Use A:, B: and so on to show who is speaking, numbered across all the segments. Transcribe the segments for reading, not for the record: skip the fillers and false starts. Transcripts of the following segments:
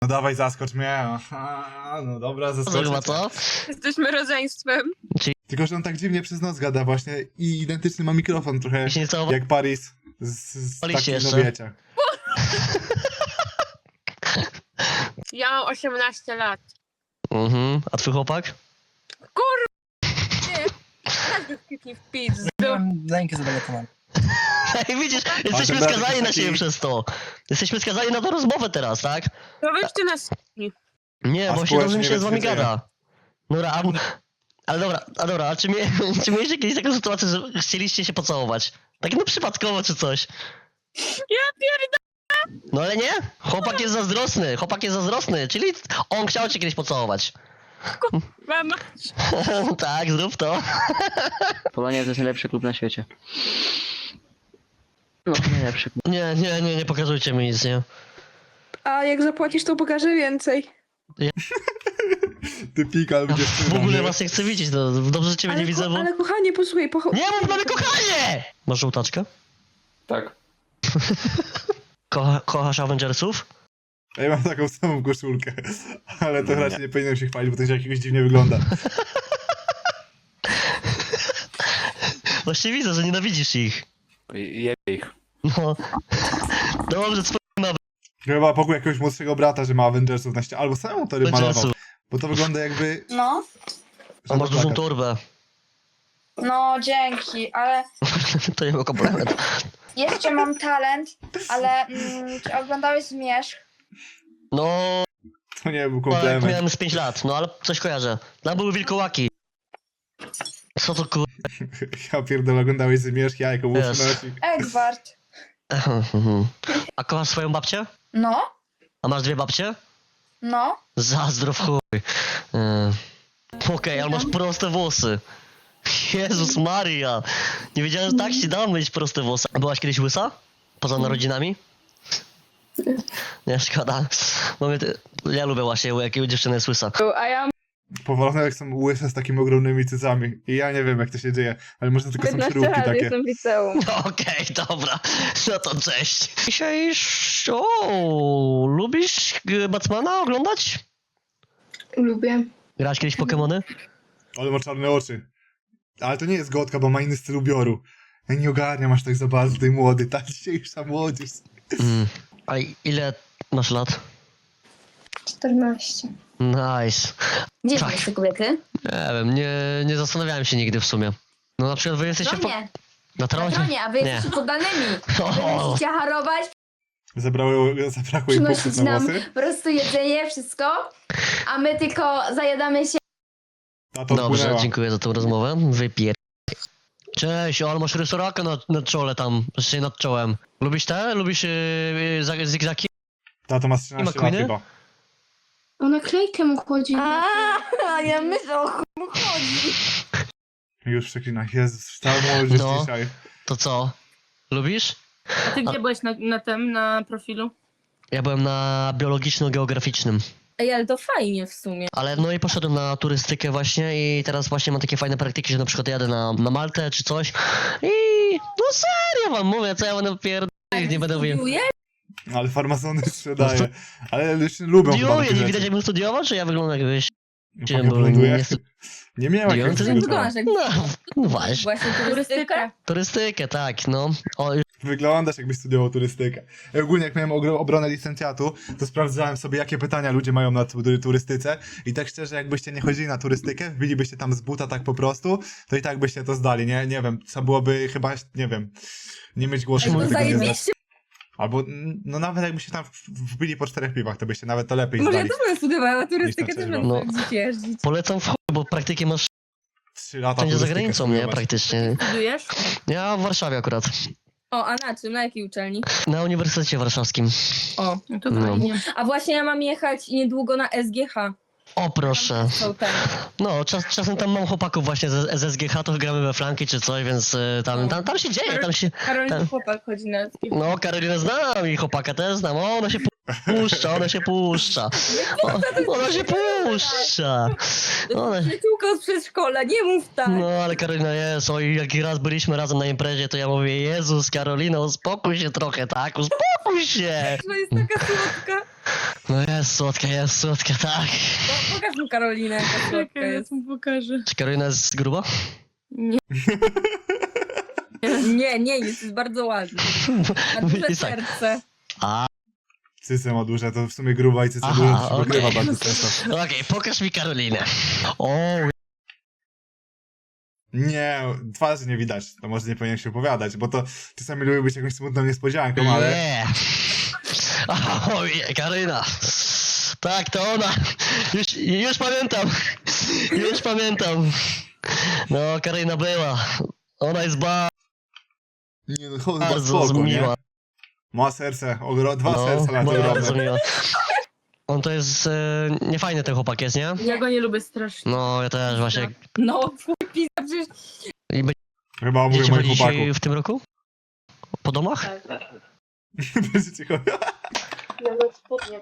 A: No dawaj, zaskocz mnie. Aha, no dobra, zaskocz
B: Chyba
A: mnie.
B: co?
C: Jesteśmy rodzeństwem.
A: Tylko, że on tak dziwnie przez noc gada właśnie i identyczny ma mikrofon trochę
B: I się nie całował.
A: jak Paris z
B: Paliście
A: takim, no
B: jeszcze.
A: wiecie.
C: Ja mam 18 lat.
B: A twój chłopak?
C: Nie, każdy wkipni w pizdu.
D: Mam rękę zadelegowałem.
B: Ej, widzisz, jesteśmy
A: ten brat
B: skazani
A: jest
B: na siebie
A: taki-
B: przez to. Jesteśmy skazani na tę rozmowę teraz, tak?
C: To weźcie nas.
B: Nie,
A: A
B: bo się
A: społecznie
B: dobrze mi się z wami
A: bezpieczeństwo.
B: gada. Dobra, ale dobra, a czy mieliście kiedyś taką sytuację, że chcieliście się pocałować? Tak no przypadkowo czy coś?
C: Ja pierdolę.
B: No ale nie? Chłopak jest zazdrosny, czyli on chciał cię kiedyś pocałować.
C: Mama.
B: Tak, zrób to.
E: Polonia to jest najlepszy klub na świecie. No, najlepszy klub.
B: Nie pokazujcie mi nic, nie?
F: A jak zapłacisz, to pokażę więcej.
A: Ty pikal
B: Ja
A: będzie
B: w ogóle was nie chcę widzieć, no dobrze, że ciebie nie widzę, bo...
F: Ale kochanie, posłuchaj,
B: Nie mów mamy kochanie! Masz żółtaczkę?
E: Tak.
B: Kochasz Avengersów?
A: Ja mam taką samą koszulkę, ale to raczej nie powinienem się chwalić, bo to się jakoś dziwnie wygląda.
B: Właśnie widzę, że nienawidzisz ich.
E: Jebie ich.
B: No. Dobrze, co
A: Chyba pokój jakiegoś młodszego brata, że ma Avengersów na ścianie, albo samemu to malował,
B: Avengersów?
A: bo to wygląda jakby...
G: No,
B: A masz dużą
A: plakat.
B: torbę.
G: no dzięki, ale
B: To nie był komplement.
G: jeszcze mam talent, ale czy oglądałeś Zmierzch?
B: No,
A: To nie był
B: ale
A: komplement.
B: miałem z 5 lat, no ale coś kojarzę. Tam były wilkołaki. Co to kur...
A: Ja pierdolę, oglądałeś Zmierzch, jajko, był
B: Yes.
A: przynosi.
G: Edward.
B: A kochasz swoją babcię?
G: No,
B: A masz dwie babcie?
G: no.
B: Zazdro w chuj. Okej, ale masz proste włosy. Jezus Maria. Nie wiedziałem, że tak się da mieć proste włosy. A byłaś kiedyś łysa? Poza narodzinami? Nie, szkoda. Ja lubię właśnie, jak dziewczyna jest łysa.
F: A ja mam
A: Powolone jak są łyse z takimi ogromnymi cycami. I ja nie wiem jak to się dzieje, ale może tylko są
F: 15
A: śrubki
F: lat,
A: takie.
F: jestem w liceum.
B: Okej, dobra. No to cześć. Dzisiaj... O, lubisz Batmana oglądać?
F: Lubię.
B: Grałeś kiedyś w Pokemony?
A: Ale ma czarne oczy. Ale to nie jest gotka, bo ma inny styl ubioru. Ja nie ogarniam aż tak za bardzo tej młody, ta dzisiejsza młodzież.
B: A ile masz lat?
G: 14.
B: Nice.
G: Gdzie
B: Tak.
G: są jeszcze kobiety?
B: Nie wiem, nie zastanawiałem się nigdy w sumie. No na przykład wy jesteście...
G: Tronie.
B: Na tronie?
G: Tronie, a wy
B: Nie.
G: jesteście poddanymi. Wy
B: O,
G: musicie harować,
A: Zabrakło im punktów
G: przynosić
A: na
G: nam
A: włosy.
G: po prostu jedzenie, wszystko, a my tylko zajadamy się.
A: Ta to
B: dobrze,
A: wpłynęła.
B: dziękuję za tą rozmowę. Wypier... Cześć, ale masz rysorakę na czole tam, znaczy nad czołem. Lubisz te? Lubisz zigzaki?
A: Ta to ma 13 lat
B: McQueeny?
A: chyba.
F: O naklejkę mu chodzi.
G: A ja myślę o chuj chodzi.
A: Już przeklina. Jezus, ta młodzież
B: No.
A: dzisiaj.
B: To co? Lubisz?
C: A ty gdzie byłeś na profilu?
B: Ja byłem na biologiczno-geograficznym.
C: Ej, ale to fajnie w sumie.
B: Ale no i poszedłem na turystykę właśnie i teraz właśnie mam takie fajne praktyki, że na przykład jadę na Maltę czy coś i no serio wam mówię, co ja będę pierdolić, nie będę mówił.
A: Ale farmazony sprzedaje. Ale już lubią chyba
B: Studiuję,
A: takie
B: nie
A: rzeczy.
B: widać jakbym studiował, czy ja wyglądam jakbyś...
A: Panie
B: bo
A: blonduje?
B: nie-
A: Nie miałem
B: Nie,
A: jak
B: to
A: wyglądasz.
B: No właśnie,
C: Właśnie turystyka.
B: turystykę, tak, no. O,
A: Wyglądasz jakbyś studiował turystykę. Ja ogólnie jak miałem obronę licencjatu, to sprawdzałem sobie jakie pytania ludzie mają na turystyce i tak szczerze jakbyście nie chodzili na turystykę, wbilibyście tam z buta tak po prostu, to i tak byście to zdali, nie? Nie wiem, co byłoby chyba, nie wiem, nie mieć głosu,
B: Ej,
A: żeby
B: no
A: tego nie zdać.
C: zajebiście.
A: Albo, no nawet jakbyście tam wbili po 4 piwach, to byście nawet to lepiej
C: Może ja
A: zdali.
C: też będę studiowała turystykę,
A: Niż na
C: też
A: czerwono.
C: będę gdzieś jeździć.
B: polecam w chuj, bo praktyki masz
A: 3 lata
B: wszędzie za
A: turystykę
B: granicą, nie?
A: studiować.
B: Praktycznie.
C: Studujesz?
B: Ja w Warszawie akurat.
C: O, a na czym? Na jakiej uczelni?
B: Na Uniwersytecie Warszawskim.
C: O, no to
B: No.
C: fajnie. A właśnie ja mam jechać niedługo na SGH.
B: O proszę.
C: Są ten.
B: No, czasem tam mam chłopaków właśnie z SGH, to gramy we flanki czy coś, więc tam się dzieje, tam się...
C: Karolina
B: Ten.
C: chłopak chodzi na SGH.
B: No, Karolinę znam i chłopaka też znam. O, ona się puszcza. Ona się puszcza. Ona...
C: Przyjaciółka z przedszkola, nie mów tak.
B: No, ale Karolina jest. Oj, jak raz byliśmy razem na imprezie, to ja mówię, Jezus, Karolina, uspokój się trochę, tak? Uspokój się.
C: To jest taka słodka.
B: No jest słodka, tak.
C: No, pokaż mu Karolinę, jaka słodka jest.
F: mu pokażę.
B: Czy Karolina jest gruba?
C: Nie, jest bardzo ładny. Ma duże
B: I tak.
C: serce.
B: A,
A: Cycę ma duże, to w sumie gruba i cycę
B: Aha,
A: duża, to się
B: okej.
A: wygrywa bardzo często.
B: okej, pokaż mi Karolinę. O,
A: Nie, twarzy nie widać, to może nie powinien się opowiadać, bo to czasami lubi być jakąś smutną niespodzianką, ale...
B: nie. O, nie, Karolina. Tak, to ona. Już pamiętam. Już pamiętam. No, Karolina była. Ona jest
A: Nie no, chyba
B: bardzo
A: spoko, nie?
B: miła.
A: Ma serce, dwa
B: No,
A: serca na to
B: bardzo
A: ogromne.
B: miła. On to jest niefajny ten chłopak jest, nie?
F: Ja go nie lubię strasznie.
B: No, ja też właśnie.
C: No, twój pizza, przecież
B: I
A: Chyba mówię
B: będziecie
A: moich
B: chodzić
A: chłopaków.
B: w tym roku? Po domach?
A: Będziecie chodzić.
F: Nawet spodnie.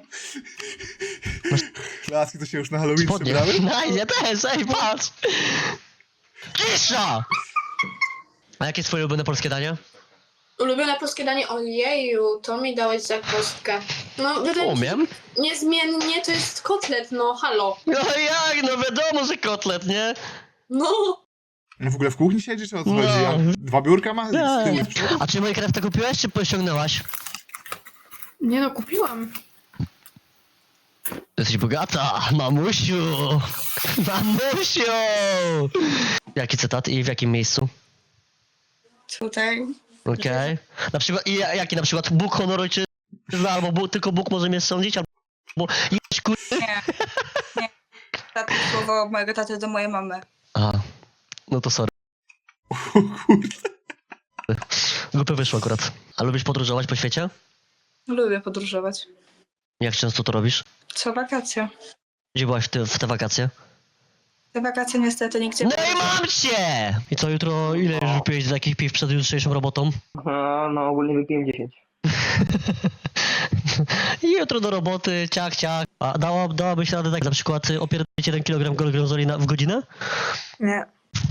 A: Laski to się już na Halloween
B: Spodnie.
A: przebrały?
B: No, ja też, ej, patrz! Cisza! A jakie jest twoje ulubione polskie danie?
F: Ulubione polskie danie? Ojeju, to mi dałeś za kostkę. No,
B: Umiem.
F: niezmiennie to jest kotlet, no halo.
B: No jak, no wiadomo, że kotlet, nie?
F: No.
A: No w ogóle w kuchni siedzi, czy o co
B: No.
A: chodzi? A 2 biurka ma? Z tyłu i z przodu?
B: A czy Minecrafta kupiłaś, czy pościągnęłaś?
F: Nie no, kupiłam.
B: Jesteś bogata, mamusiu! Mamusiu! Jaki cytat i w jakim miejscu?
C: tutaj.
B: Okej. Na przykład, i jaki na przykład? Bóg, honor, ojczyzna, albo tylko Bóg może mnie sądzić, albo jeść kur...
D: Nie. Takie słowo mojego taty do mojej mamy.
B: A, no to sorry. Głupio wyszło akurat. A lubisz podróżować po świecie?
D: Lubię podróżować.
B: Jak często to robisz?
D: Co wakacje.
B: Gdzie byłaś w te wakacje?
D: Te wakacje niestety nigdzie
B: No
D: nie
B: i mam cię! I co, jutro ile już wypiłeś z takich piw przed jutrzejszą robotą?
E: No ogólnie wypiłem 10.
B: I jutro do roboty, ciach. A dałabyś radę tak na przykład opierdolić 1 kg gorgonzoli w godzinę?
D: Nie.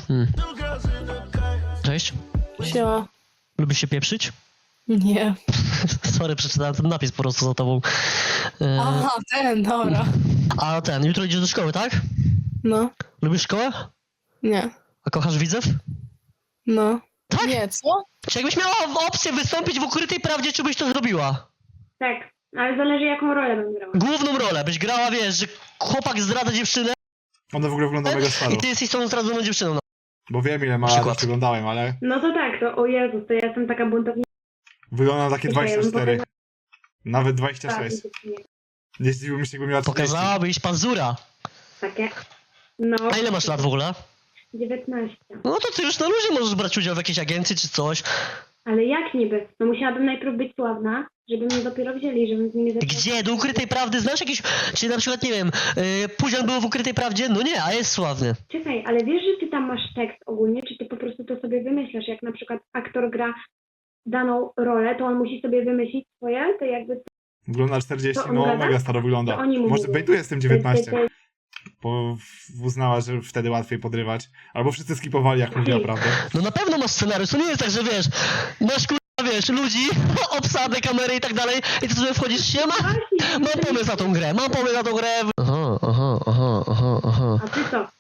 B: Cześć.
F: Siema.
B: Lubisz się pieprzyć?
F: Nie.
B: Sorry, przeczytałem ten napis po prostu za tobą.
F: Aha, ten, dobra.
B: A jutro idziesz do szkoły, tak?
F: No.
B: Lubisz szkołę?
F: Nie.
B: A kochasz widzów?
F: No.
B: Tak?
F: Nie, co?
B: Czy jakbyś miała opcję wystąpić w Ukrytej Prawdzie, czy byś to zrobiła?
H: Tak, ale zależy jaką rolę bym grała.
B: Główną rolę, byś grała, wiesz, że chłopak zdradza dziewczynę
A: Ona w ogóle wygląda mega staro.
B: i ty jesteś tą zdradzoną dziewczyną. No.
A: Bo wiem ile ma lat,
B: Przykład.
A: już wyglądałem, ale
H: No to tak, to o Jezus, to ja jestem taka buntownicza.
A: wygląda na takie
H: Ja bym
A: 24. Nawet
H: Tak,
A: 26. Nie zdziwiłbym się, jakby miała 40.
B: Pokazałabyś pazura.
H: Takie. No.
B: A ile masz lat w ogóle?
H: 19.
B: No to ty już na luzie możesz brać udział w jakiejś agencji czy coś.
H: Ale jak niby? No musiałabym najpierw być sławna, żeby mnie dopiero wzięli, żebym z nimi zaczęła...
B: Gdzie? Do Ukrytej Prawdy znasz jakieś... Czy na przykład, nie wiem, Pudzian był w Ukrytej Prawdzie? No nie, a jest sławny.
H: Czekaj, ale wiesz, że ty tam masz tekst ogólnie, czy ty po prostu to sobie wymyślasz? Jak na przykład aktor gra daną rolę, to on musi sobie wymyślić swoje, to jakby...
A: Wygląda na 40,
H: To on
A: no
H: gada?
A: mega staro wygląda.
H: To oni mu
A: Może
H: mówią.
A: bejtuje z tym 19, bo uznała, że wtedy łatwiej podrywać. Albo wszyscy skipowali, jak mówiła prawdę.
B: No na pewno masz scenariusz, to nie jest tak, że wiesz, masz kurwa, wiesz, ludzi, obsadę, kamery i tak dalej i ty sobie wchodzisz, siema, mam pomysł na tą grę, Aha.
H: A ty co?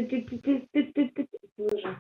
H: Dobrze.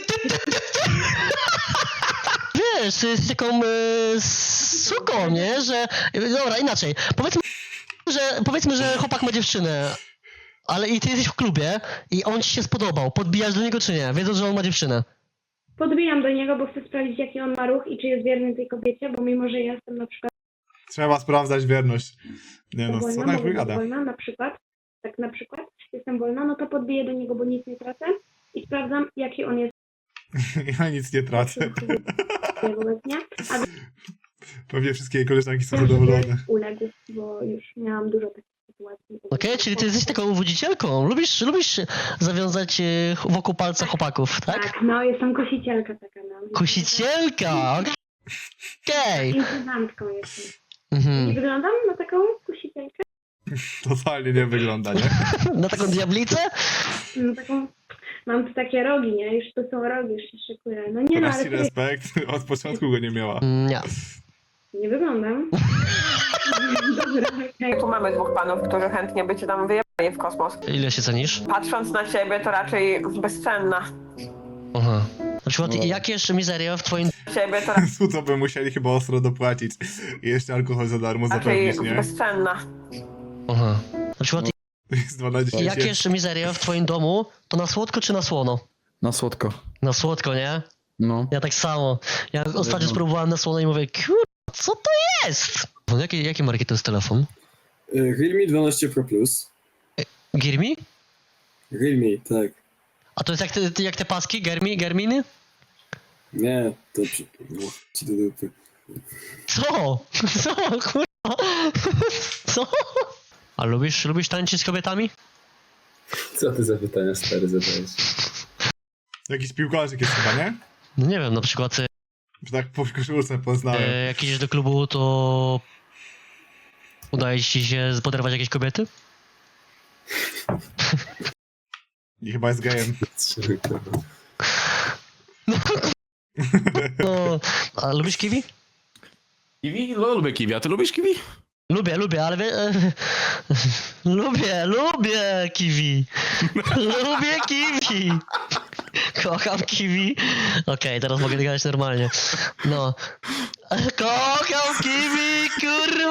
B: Wiesz, ty jesteś taką suką, nie, że... Dobra, inaczej, powiedzmy, że chłopak ma dziewczynę, ale i ty jesteś w klubie i on ci się spodobał, podbijasz do niego czy nie, wiedząc, że on ma dziewczynę?
H: Podbijam do niego, bo chcę sprawdzić, jaki on ma ruch i czy jest wierny tej kobiecie, bo mimo, że ja jestem na przykład
A: Trzeba sprawdzać wierność. Nie no, co
H: wolna,
A: ona
H: mogę być
A: wygada?
H: wolna, na przykład jestem wolna, no to podbiję do niego, bo nic nie tracę i sprawdzam, jaki on jest
A: Ja nic nie tracę.
H: wobec mnie, a
A: Pewnie wszystkie jej koleżanki są
H: wiem, że
A: zadowolone.
H: uległ, bo już miałam dużo takich sytuacji.
B: Okej, czyli ty jesteś taką wodzicielką, lubisz zawiązać wokół palca chłopaków, tak?
H: Tak, no jestem kosicielka taka, no.
B: Kusicielka, okej.
H: Infantką jestem. Nie
B: Mhm.
H: wyglądam na taką kusicielkę?
A: Totalnie nie wygląda, nie?
B: Na taką diablicę?
H: No taką, mam tu takie rogi, nie? Już to są rogi, już się szykuję. No nie no, ale
A: Racji
H: sobie,
A: respekt, od początku go nie miała.
B: Nie.
H: Nie wyglądam. Dobra, okej.
I: Tu mamy dwóch panów, którzy chętnie by cię tam wyjechali w kosmos.
B: Ile się cenisz?
I: Patrząc na ciebie, to raczej bezcenna.
B: Aha. Na przykład, jakie jeszcze mizeria w twoim
I: Ciebie to
A: Co by musieli chyba ostro dopłacić i jeszcze alkohol za darmo
I: raczej
A: zapewnić, nie?
I: bezcenna.
B: Aha. Na przykład,
A: To jest 2 na 10.
B: jakie jeszcze mizeria w twoim domu, to na słodko czy na słono?
J: Na słodko.
B: Na słodko, nie?
J: No.
B: Ja tak samo. Ja ostatnio spróbowałem na słono i mówię, kurwa, co to jest? No, jakie marki to jest telefon?
K: Realme 12 Pro Plus.
B: Girmi?
K: Realme, tak.
B: A to jest jak te paski? Germiny?
K: Nie, to no, ci do dupy.
B: Co? Co, kurwa? Co? A lubisz tańczyć z kobietami?
K: Co ty za pytania stary zadajesz?
A: Jakiś piłkarzyk jest chyba, nie?
B: No nie wiem, na przykład
A: Że tak po koszulce poznałem.
B: jak idziesz do klubu, to udaje ci się poderwać jakieś kobiety?
A: I chyba jest gejem.
B: No, a lubisz kiwi?
J: Kiwi? No, lubię kiwi. A ty lubisz kiwi?
B: Lubię, ale lubię kiwi. Lubię kiwi. Kocham kiwi. Okej, teraz mogę gadać normalnie. No. Kocham kiwi, kurwa!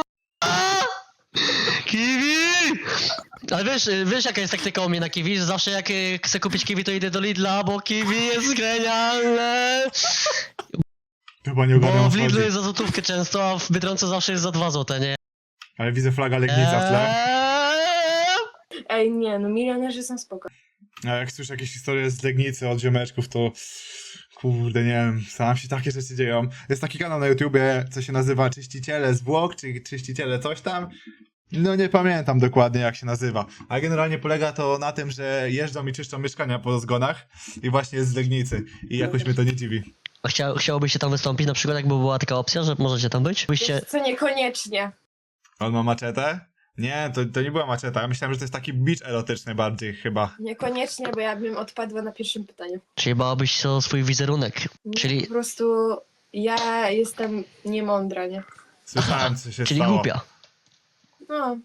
B: Kiwi! Ale wiesz jaka jest taktyka u mnie na kiwi, że zawsze jak chcę kupić kiwi, to idę do Lidla, bo kiwi jest genialne!
A: Chyba nie ogarniam,
B: Bo
A: o
B: w
A: co
B: Lidlu
A: chodzi.
B: jest za złotówkę często, a w Biedronce zawsze jest za 2 złote, nie?
A: Ale widzę flaga Legnica w tle.
F: Ej, nie, no milionerzy są spoko.
A: A jak słyszę jakieś historie z Legnicy od ziomeczków, to kurde, nie wiem, sam się takie rzeczy dzieją. Jest taki kanał na YouTubie, co się nazywa Czyściciele Zwłok, czy Czyściciele coś tam. No nie pamiętam dokładnie jak się nazywa. A generalnie polega to na tym, że jeżdżą i czyszczą mieszkania po zgonach i właśnie jest z Legnicy. I jakoś mnie to nie dziwi.
B: A chciałobyście tam wystąpić, na przykład jakby była taka opcja, że możecie tam być? Byście...
F: Co niekoniecznie.
A: On ma maczetę? Nie, to nie była maczeta. Ja myślałem, że to jest taki beach erotyczny bardziej chyba.
F: Niekoniecznie, bo ja bym odpadła na pierwszym pytaniu.
B: Czyli bałabyś się o swój wizerunek.
F: Nie,
B: Czyli,
F: Po prostu ja jestem niemądra, nie?
A: Słyszałem, co się
B: czyli
A: stało.
B: głupia.
F: No.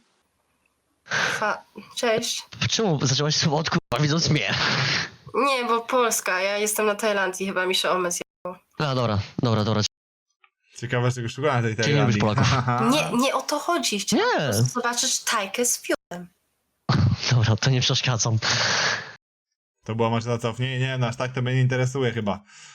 L: Cześć.
B: Czemu zaczęłaś od kurwa widząc mnie?
L: Nie, bo Polska. Ja jestem na Tajlandii, chyba mi się omysł.
B: A dobra.
A: Ciekawe, czego szukałem tej
B: Czyli nie lubisz
A: Tajlandii.
B: Polaków?
L: Nie o to chodzi. Chciałam po
B: Nie,
L: prostu zobaczyć Tajkę z fiutem.
B: dobra, to nie przeszkadzam.
A: To była maczeta co? Nie, no aż tak to mnie nie interesuje chyba.